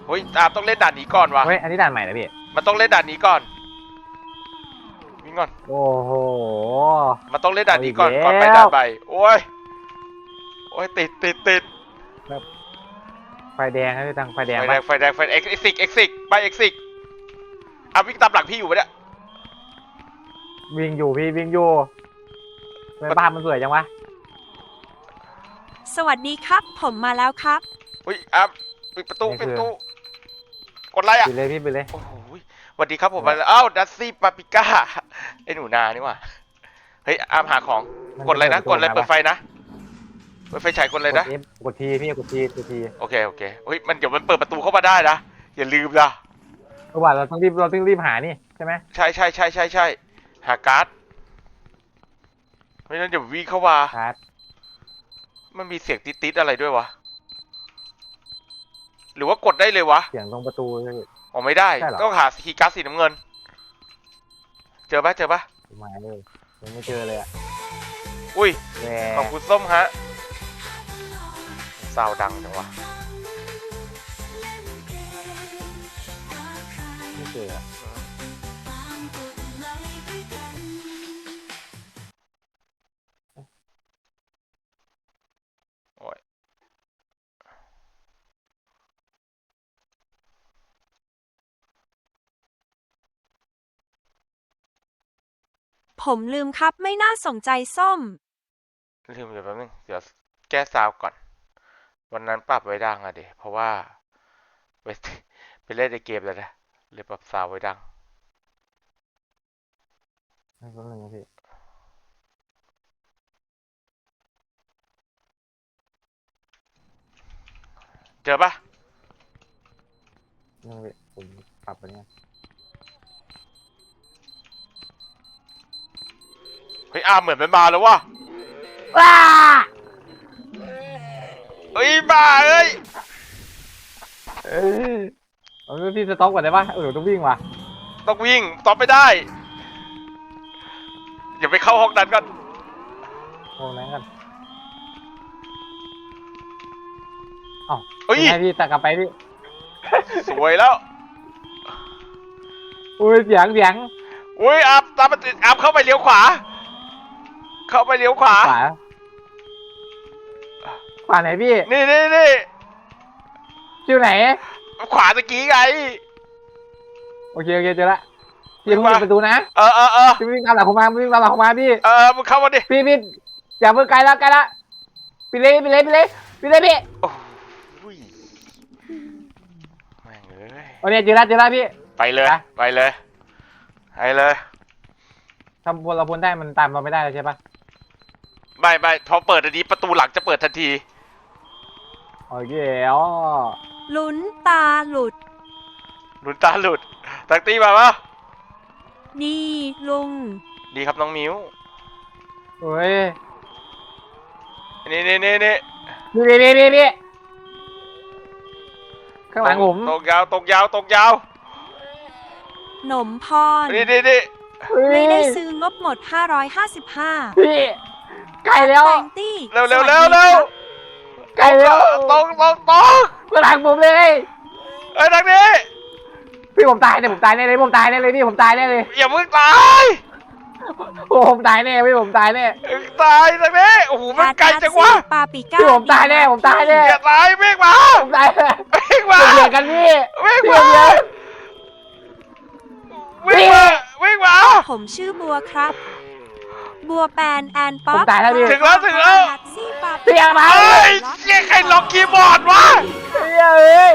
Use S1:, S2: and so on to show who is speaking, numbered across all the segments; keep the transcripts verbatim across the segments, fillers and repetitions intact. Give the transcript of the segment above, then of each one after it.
S1: เฮ้ยอาต้องเล่นด่านนี้ก่อนวะ
S2: เฮ้ยอันนี้ด่านใหม่นะพี่
S1: มันต้องเล่นด่านนี้ก่อนวิ่งก่อน
S2: โอ้โห
S1: มันต้องเล่นด่านนี้ก่อนก่อนไปด่านใบโอ้ยโอ้ยติดติดติด
S2: ไฟแดงครับพี่ตังไฟแดง
S1: ไฟแด
S2: ปะ
S1: งไฟแดงไฟเอ็กซิกเอ็กซิกไปเอ็กซิกอ่ะวิ่งตามหลังพี่อยู่ปะเนี่ย
S2: วิ่งอยู่พี่วิ่งอยู่ทำไมบ้านมันสวยจังวะ
S3: สวัสดีครับผมมาแล้วครับ
S1: อุ้ยอ่ะปิดประตูปิดประตูกดไลค์อ่ะ
S2: ไปเลยพี่ไปเลย
S1: โอ้โหสวัสดีครับผมมาแล้วอ้าวดัซซี่ปาปิก้าไอ้หนูนานี่ว่ะเฮ้ยอามหาของกดอะไรนะกดอะไรเปิดไฟนะเปิดไฟฉายกดอะไรนะ
S2: กดทีพี่กดทีกดที
S1: โอเคโอเคเฮ้ยมันเดี๋ยวมันเปิดประตูเข้ามาได้นะอย่าลืมนะ
S2: เพราะว่าเราต้องรีบเราต้องรีบหานี่ใช่ไหม
S1: ใช่ใช่ใช่ใช่ใช่หาการ์ดไม่งั้นเดี๋ยววิ่งเข้ามา
S2: การ์ด
S1: มันมีเสียงติดๆอะไรด้วยวะหรือว่ากดได้เลยวะ
S2: เสียงตรงประตู
S1: อ๋อไม่ได้ต้องหาคีย์การ์ดสีน้ำเงินเจอปะเจอปะ
S2: มาเลยยังไม่เจอเลยอ่ะ
S1: อุ้ยขอบคุณส้มฮะซาวดังจังวะ
S2: ไม่เจอ
S1: โอ้ย
S3: ผมลืมครับไม่น่าสนใจส้ม
S1: ลืมเดี๋ยวแป๊บนึงเดี๋ยวแก้ซาวก่อนวันนั้นปรับไว้ดังอะดิเพราะว่าไปไปเล่นในเกมแล้วนะเลยปรับซาวไว้ดัง
S2: ไม่รู้เลยพี่
S1: เจอปะ
S2: นี่ผมปรับไปเนี่ย
S1: เฮ้ยอาเหมือนมันมาแล้ววะ
S2: ว้า
S1: เฮ้ยมาเอ้ย
S2: เอ้ยเอาพี่สต็อกก่อนได้ปะเออต้องวิ่งว่ะ
S1: ต้องวิ่งตอบไม่ได้อย่าไปเข้าห้องนั้นก่อน
S2: โอ้นั่งกันเอ้า
S1: เฮ้ย
S2: ให้พี่ตักกลับไปพี่
S1: สวยแล้ว
S2: อุ้ยเสียงเสียง
S1: อุ้ยอาบตามมาติดอาบเข้าไปเลี้ยวขวาเข้าไปเลี้ยวขวา
S2: ขวาขวาไหนพี่
S1: นี่นี่นี่
S2: ชื่อไหน
S1: ขวาตะกี้ไง
S2: โอเคโอเคเจอละพี่เพิ่งเปิดประตูนะ
S1: เออเออเออ
S2: พี่วิ่งตามหลังผมมาวิ่งตามหลังผมมาพี่
S1: เออมึงเข้ามาดิ
S2: พี่พี่อย่าเพิ่งไกลละไกลละพี่เลยพี่เลยพี่เลยพี่เลยพี่
S1: โอ้ยแม่งเอ้ย
S2: โอเคเจอละเจอละพี่
S1: ไปเลยไปเลยไปเลย
S2: ทำพลเราพ้นได้มันตามเราไม่ได้ใช่ปะ
S1: ไม่ไม่พอเปิดอันนี้ประตูหลังจะเปิดทันที
S2: โอเคอ๋อ
S3: ลุ้นตาหลุด
S1: ลุ้นตาหลุดตักตีมาปะ
S3: ดีลุง
S1: ดีครับน้องมิ้ว
S2: เฮ้ย
S1: นี่นี่นี่นี่
S2: นี่นี่นี่นี่ข้างหลังผม
S1: ตกยาวตกยาวตกยาว
S3: หนมพร
S1: นี่นี่นี่
S3: ไม่ได้ซื้องบหมดห้าร้อยห้าสิบห้า
S2: พี่ไกลแล้ว
S1: เร็วเร็วเร็วเร็ว
S2: ไกลแล้ว
S1: ตกตกตก
S2: ข้างหลังผมเลย
S1: เอ้ยทางนี้
S2: พี่ผมตายเนี่ยผมตายแน่เลยผมตายแน่เลยพี่ผมตายแน่เลย
S1: อย่าเพิ่งตาย
S2: โอ้ผมตายแน่พี่ผมตายแน่
S1: ตายทางนี้โอ้โหมันไกลจังวะ
S3: ปาปิก้า
S2: พี่ผมตายแน่ผมตายแน่
S1: อย่าตายเมฆมา
S2: ผมตายแน่
S1: เมฆมา
S2: เบียดกันพี่
S1: เมฆมาวิ่งมาวิ่งมา
S3: ผมชื่อบัวครับบัวแปนแอนป๊อป
S2: ตายแล้วพี่
S1: ถึงแล้วถึงแล้ว
S2: เสียงมา
S1: เฮ้ยเสียงใครล็อกคีย์บอร์ดวะ
S2: เฮ้ยเอ้ย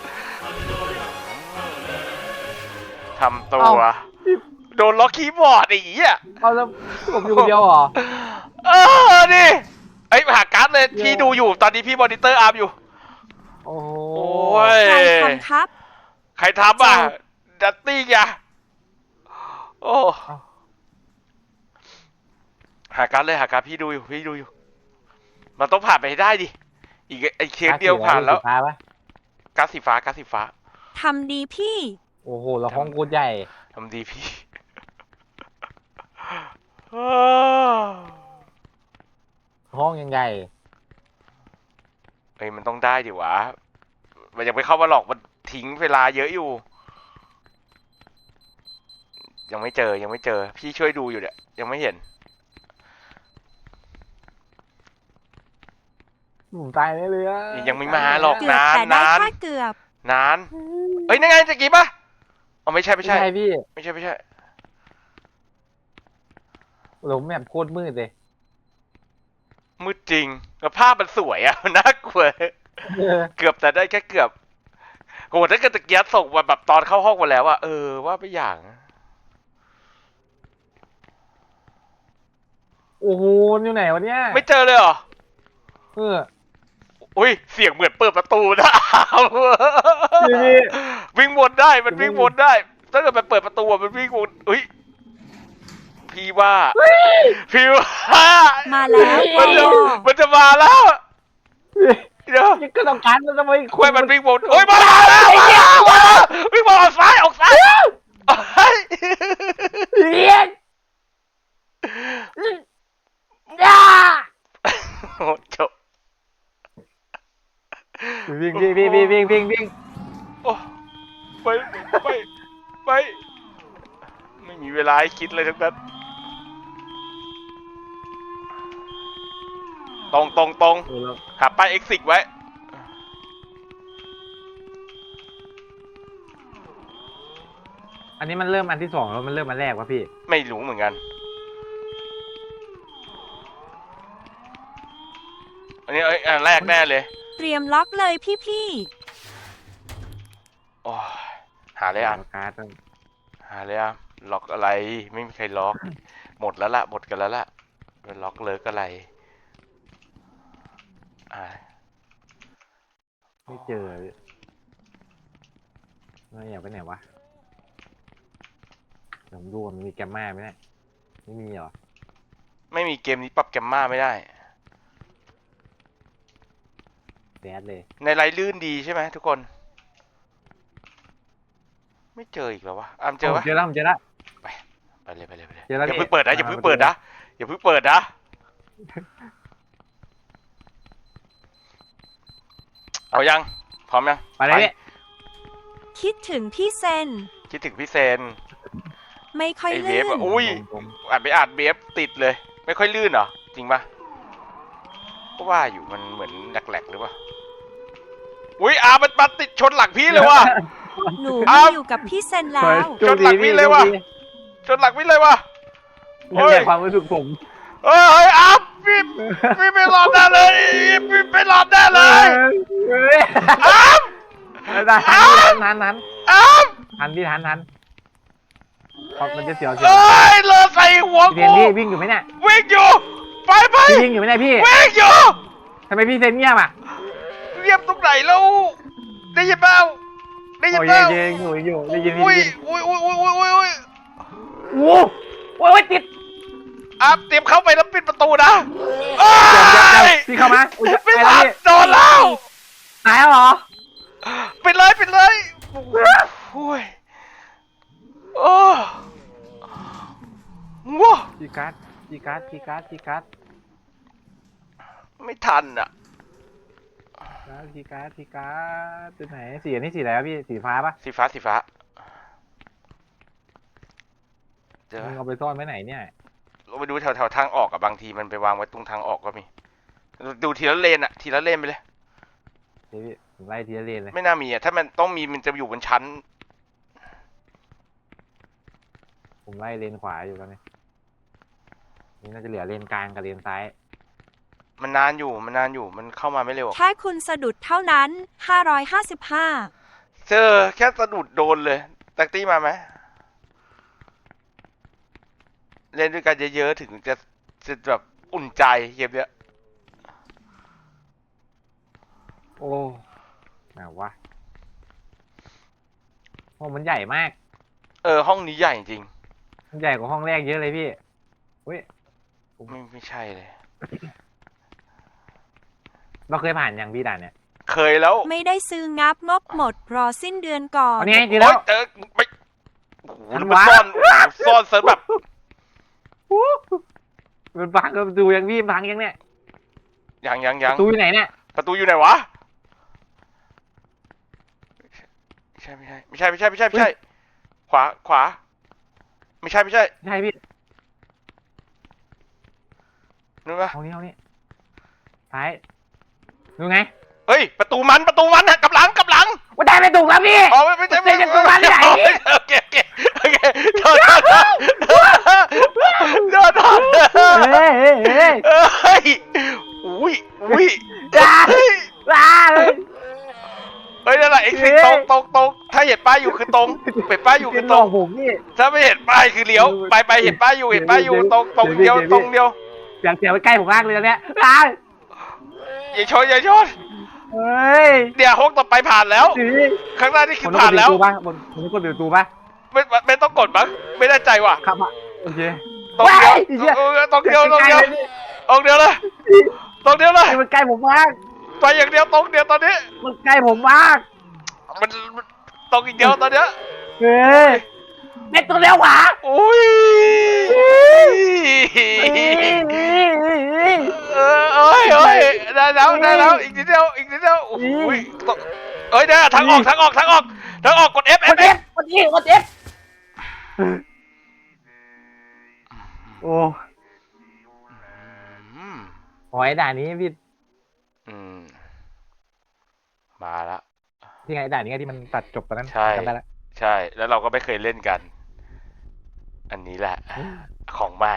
S1: ทำตัวโดนล็อกคีย์บอร์ดไอ้เหี้ย
S2: เอาแล้วผมอยู่คนเดียวเหรอ
S1: เออดิไอ้หาการ์ดเลยพี่ดูอยู่ตอนนี้พี่มอนิเตอร์อาร์มอยู่
S2: โอ้
S1: ย
S3: ใครทำครับ
S1: ใครทำอ่ะดัตตี้ไงโอ้หาการ์ดเลยหาการ์ดพี่ดูอยู่พี่ดูอยู่มันต้องผ่านไปให้ได้ดิอีกไอ้เคสเดียวผ่านแล้วการ์ดสีฟ้าการ์ดสีฟ้า
S3: ทำดีพี่
S2: โอ้โหเราห้องกูใหญ่
S1: ทำดีพี่
S2: ห้องยังใหญ่
S1: เฮ้ยมันต้องได้ดิวะมันยังไม่เข้ามาหลอกมันทิ้งเวลาเยอะอยู่ ยังไม่เจอยังไม่เจอ พี่ช่วยดูอยู่เนี่ยยังไม่เห็น
S2: ผมตายได้เลยอะ
S1: ยังไม่มาหรอก
S3: เกือบ
S1: นาน
S3: แต่ได้
S1: นาน
S3: แค่เกือบ
S1: นานเอ้ยนั่นไงตะกี้ปะอ๋อไม่ใช่ไม่
S2: ไม่
S1: ใช่
S2: ใช่พี่
S1: ไม่ใช่ไม่ใช่
S2: หลงแบบโคตรมืดเลย
S1: มืดจริงแล้วภาพมันสวยอะ น่ากลัว
S2: เออ
S1: เกือบแต่ได้แค่เกือบโหถ้าเกิดตะเกียบส่งมาแบบตอนเข้าห้องมาแล้วอะเออว่าไปอย่าง
S2: โอ้โหอยู่ไหนวะเนี่ย
S1: ไม่เจอเลยเหรอ
S2: เออ
S1: อุ้ยเสียงเหมือนเปิดประตูนะ
S2: พี่พี่
S1: วิ่งวนได้มันวิ่งวนได้ถ้าเกิดมันเปิดประตูอะมันวิ่งวนอุ้ยพี่ว่าพี่ว่า
S3: มาแล้ว
S1: มันจะ
S3: โอ้
S1: มันจะมาแล้วเดี๋ยว
S2: ยังก็ต้องการมันทำไม
S1: คุยมันวิ่งวนโอ้ยมาแล้วมาแล้วมาแล้ววิ่งวนออกซ้ายออกซ้ายเฮ้ย
S2: เรียนย่า
S1: โอ้จบ
S2: วิ่งวิ่งวิ่งวิ่งวิ่งวิ่งวิ่ง
S1: โอ้ไปไปไปไม่มีเวลาให้คิดเลยทั้งนั้นตรงตรงตรง
S2: เออแล้ว
S1: หาป้ายเอ็กซิกไว้
S2: อันนี้มันเริ่มอันที่สองแล้วมันเริ่มอันแรกวะพี่
S1: ไม่รู้เหมือนกัน อันนี้เอ้ยอันแรกแน่เลย
S3: เตรียมล็อกเลยพี่
S1: โอ้ยหาเลยอ่ะ
S2: การ์ดต้อง
S1: หาเลยอ่ะล็อกอะไร ไม่มีใครล็อก หมดแล้วล่ะ หมดกันแล้วล่ะเป็นล็อกเลิกอะไรอ่า
S2: ไม่เจอเลยไม่อยากไปไหนวะเดี๋ยวผมดูว่ามันมีแกมมาไหมเนี่ยไม่มีเหรอ
S1: ไม่มีเกมนี้ปรับแกมมาไม่ได้
S2: แดดเลย
S1: ในไลน์ลื่นดีใช่ไหมทุกคน ไม่เจออีกแล้ววะอามเจอปะ
S2: เจอแล้วผมเจอแล้ว
S1: ไปเลยไปเลยไปเลย
S2: เจอแล้ว
S1: อย่า
S2: พี่
S1: เพิ่งเปิดนะอย่า
S2: มา
S1: เพิ่ง
S2: มา
S1: เปิด
S2: ดู
S1: นะอย่าเพิ่งเปิดนะเอายังพร้อมยัง
S2: ไปเลยพี่
S3: ๆ คิดถึงพี่เซน
S1: คิดถึงพี่เซน
S3: ไม่ค่อย
S1: ไอเว
S3: ลื่
S1: ฟ
S3: น
S1: อะอุ้ยอ่านไปอ่านเวฟติดเลย ไม่ค่อยลื่นเหรอจริงปะก็ว่าอยู่มันเหมือนแหลกๆหรือเปล่าอุ้ยอามันมาติดชนหลังพี่เลยว่ะ
S3: หนู
S1: อ้า
S3: มาว อยู่กับพี่เซนแล้ว
S2: โชคดี
S1: จนหลังวิ่งเลยว่ะ ชนหลังพี่เลยว่ะ
S2: โชคดีนั่นแหละความรู้สึกผม
S1: เฮ้ยเฮ้ยอาพี่พี่ไม่รอดแน่เลยพี่ไม่รอดแน่เลย
S2: เฮ้ย
S1: อาม
S2: ได้ทันทันทัน
S1: อาม
S2: ทันพี่ทันทันเพราะมันจะเสียวเสียว
S1: เอ้ยเลอใส่หัว
S2: พี่เซ
S1: กู
S2: นพี่วิ่งอยู่ไหมเนี่ย
S1: วิ่งอยู่ไปไป
S2: พี่วิ่งอยู่ไหมเนี่ยพี่
S1: วิ่งอยู่
S2: ทำไมพี่เซนเงียบอ่ะ
S1: เรียบตรงไหนแล้วได้ยินเปล่าได้ยิน
S2: โอ้ย
S1: เปล่า
S2: เย็นอยู่อยู่ได้ยินได้
S1: อุ้ย
S2: ยิน
S1: อุ้ยอุ้ยอุ้ยอุ้ยอุ้ยอุ้ย
S2: โอ้โหติด
S1: อาเตรียมเข้าไปแล้วปิดประตูนะเอ้
S2: เดี๋ยวย เดี๋ยวพี่เข้ามาอุ้ย
S1: ไม่
S2: ไปแล้ว
S1: ทัน
S2: พี่
S1: โดนแล้ว
S2: ตายแล้วเหรอ
S1: ปิดเลยปิดเลยโอ้ยโอ้ว้า
S2: จีการ์ดจีการ์ดจีการ์ดจีการ์ด
S1: ไม่ทันอ่ะ
S2: จีการ์ดจีการ์ดตัวไหนสีอันนี้สีอะไรวะพี่สีฟ้าปะ
S1: สีฟ้าสีฟ้าเจอ
S2: มึงเอาไปซ่อนไว้ไหนเนี่ย
S1: เราไปดูแถวแถวทางออกอะบางทีมันไปวางไว้ตรงทางออกก็มี ดูทีละเลนอะทีละเลนไปเลย
S2: เดี๋ยวพี่ผมไล่ทีละเลนเลย
S1: ไม่น่ามีอะถ้ามันต้องมีมันจะอยู่บนชั้น
S2: ผมไล่เลนขวาอยู่ตอนนี้นี่น่าจะเหลือเลนกลางกับเลนซ้าย
S1: มันนานอยู่มันนานอยู่มันเข้ามาไม่เร็วอะ
S3: แค่คุณสะดุดเท่านั้น ห้าร้อยห้าสิบห้า
S1: เจอแค่สะดุดโดนเลยแท็กตี้มาไหมเล่นด้วยกันเยอะๆถึงจะจะแบบอุ่นใจเกมเนี้ย
S2: โอ้ไหนวะห้องมันใหญ่มาก
S1: เออห้องนี้ใหญ่จริง
S2: มันใหญ่กว่าห้องแรกเยอะเลยพี่เฮ้ย
S1: ไม่ไม่ใช่เลย
S2: เราเคยผ่านยังพี่ด่านเนี่ย
S1: เคยแล้ว
S3: ไม่ได้ซื้องับงบหมดรอสิ้นเดือนก่อน
S2: อันนี้ไงเจอแล้ว
S1: โอ๊ยเจอไม่โอ้โห
S2: ทัน
S1: มัน
S2: วะ
S1: ซ่อนโอ้โหซ่อนเซิร์ฟแบบ
S2: มันพังก็ดูยังพี่มันพังยังเนี่ย
S1: ยังยังยัง
S2: ประตูอยู่ไหนเนี่ย
S1: ประตูอยู่ไหนวะช่ไม่ใช่ไม่ใช่ไม่ใช่ไม่ใช่ไม่ใช่ขวาขวา ไม่ใช่ไม่ใช่
S2: ใช่พี่
S1: นึกว่า
S2: เอานี้เอานี้ซ้ายดูไง
S1: เฮ้ยประตูมันประตูมันฮะกลับหลังกลับหลัง
S2: ว่าได้ไม่ถูกแล้วพี่
S1: อ๋อไม่ไม่ใช่
S2: ไม่ใช่ประตูมันที่ไหนพี่
S1: โอเคโอเคโอเคโทษโทษโทษโทษ
S2: เฮ้ยเฮ้ยเฮ้ย
S1: เฮ้ยอุ้ยอุ้ย
S2: จ้า
S1: เฮ้ย
S2: ว้าเลย
S1: เฮ้ยนั่นแหละเอ็กซิตตรงตรงตรงถ้าเห็นป้ายอยู่คือตรงเห็นป้ายอยู่คือ
S2: ห
S1: ต
S2: ล
S1: ร
S2: อง กผมพี่
S1: ถ้าไม่เห็นป้ายคือเลี้ยวไปไปเห็นป้ายอยู่เห็นป้ายอยู่ตรงตรงเดียวตรงเดียว
S2: อยากเสียไปใกล้ผมมากเลยตอนเนี้ยอ้าว
S1: อย่าชนอย่าชน
S2: เฮ้ย
S1: เดี๋ยวฮกต่อไปผ่านแล้ว
S2: สี
S1: ข้างหน้านี่
S2: ผ
S1: คือ
S2: มต้อง
S1: ผ่าก น
S2: ด
S1: แล้ว
S2: บิวตูป่ะผมผมต้องกดบิวตูป่ะ
S1: ไม่ไม่ไม่ต้องกดมั้งไม่แน่ใจว่ะ
S2: ครับอ่ะโอเค
S1: ตรงเดียว
S2: ว้ายไอ้เหี้ย
S1: เออตรงเดียวตรงเดียวตรงเดียวเลยตรงเดียวเลย
S2: นี่มันใกล้ผมมาก
S1: ไปอย่างเดียวตรงเดียวตอนนี้
S2: มันใกล้ผมมาก
S1: มันมันตรงอีกเดียวตอนเนี้ย
S2: เฮ้ยเม็ดตัวเร็วขวา
S1: อุ้ยเออเอ้ยเอ้ยได้แล้วได้แล้วอีกนิดเดียวอีกนิดเดียวโอ้ยตกเอ้ยเนี่ยทางออกทางออกทางออกทางออกกด F
S2: ก
S1: F
S2: ดเอฟกดอีกดเอฟโอ้
S1: อืม
S2: หอยด่านนี้พี่
S1: อืมมาละ
S2: ที่ไงด่านนี้ที่มันตัดจบตอนนั้น
S1: ใช่
S2: จำได้ละ
S1: ใช่แล้วเราก็ไม่เคยเล่นกัน อันนี้แหละ ของใหม่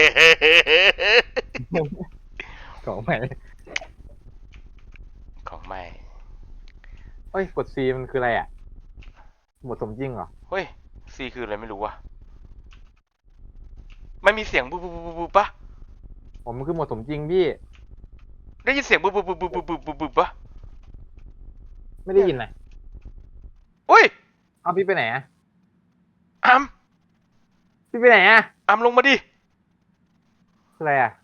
S2: ของใหม่
S1: ของใหม่
S2: เฮ้ยกด C มันคืออะไรอ่ะหมดสมจริงเหรอ
S1: เฮ้ยซีคืออะไรไม่รู้ว่ะไม่มีเสียงบูบูบูบูปะ
S2: ผมมันคือหมดสมจริงพี่
S1: ได้ยินเสียงบูบูบูบูบูบูบูบูปะ
S2: ไม่ได้ยินนะ
S1: อุ้ย
S2: เอาพี่ไปไหนอ่ะ
S1: อัม
S2: พี่ไปไหนอ่ะ
S1: อัมลงมาดิ
S2: คืออะไรอ่ะ